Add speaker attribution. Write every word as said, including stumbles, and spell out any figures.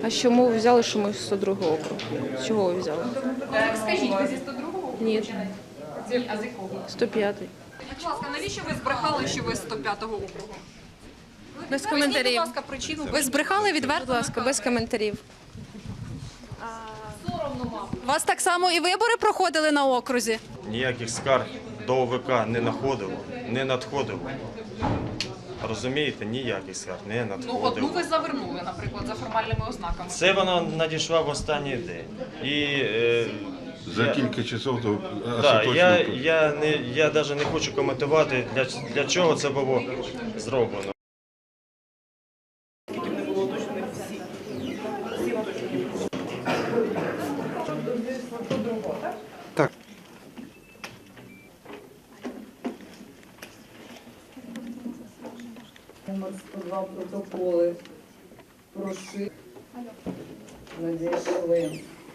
Speaker 1: А чому ви взяли, що ми з сто другого округу? З чого ви взяли?
Speaker 2: Скажіть, ви зі сто другого?
Speaker 1: Ні,
Speaker 2: А з якого?
Speaker 1: сто п'ятий.
Speaker 2: Будь ласка, навіщо ви збрехали, що ви з сто п'ятого округу?
Speaker 1: Без
Speaker 2: Поясніть,
Speaker 1: коментарів.
Speaker 2: будь ласка, причину. Ви збрехали відверто?
Speaker 1: Будь ласка, без коментарів.
Speaker 2: У вас так само і вибори проходили на окрузі?
Speaker 3: Ніяких скарг до О В К не надходило, не надходило. Розумієте, ніяких скарг не
Speaker 2: Ну, одну
Speaker 3: надходило.
Speaker 2: ви завернули, наприклад, за формальними ознаками.
Speaker 3: Це вона надійшла в останній день. І е,
Speaker 4: За
Speaker 3: я-
Speaker 4: кілька часов до
Speaker 3: Так, я,
Speaker 4: остаточного.
Speaker 3: я, не, я навіть не хочу коментувати, для, для чого це було зроблено.
Speaker 4: Так.
Speaker 5: Номер сто два протоколи прошив надійшли.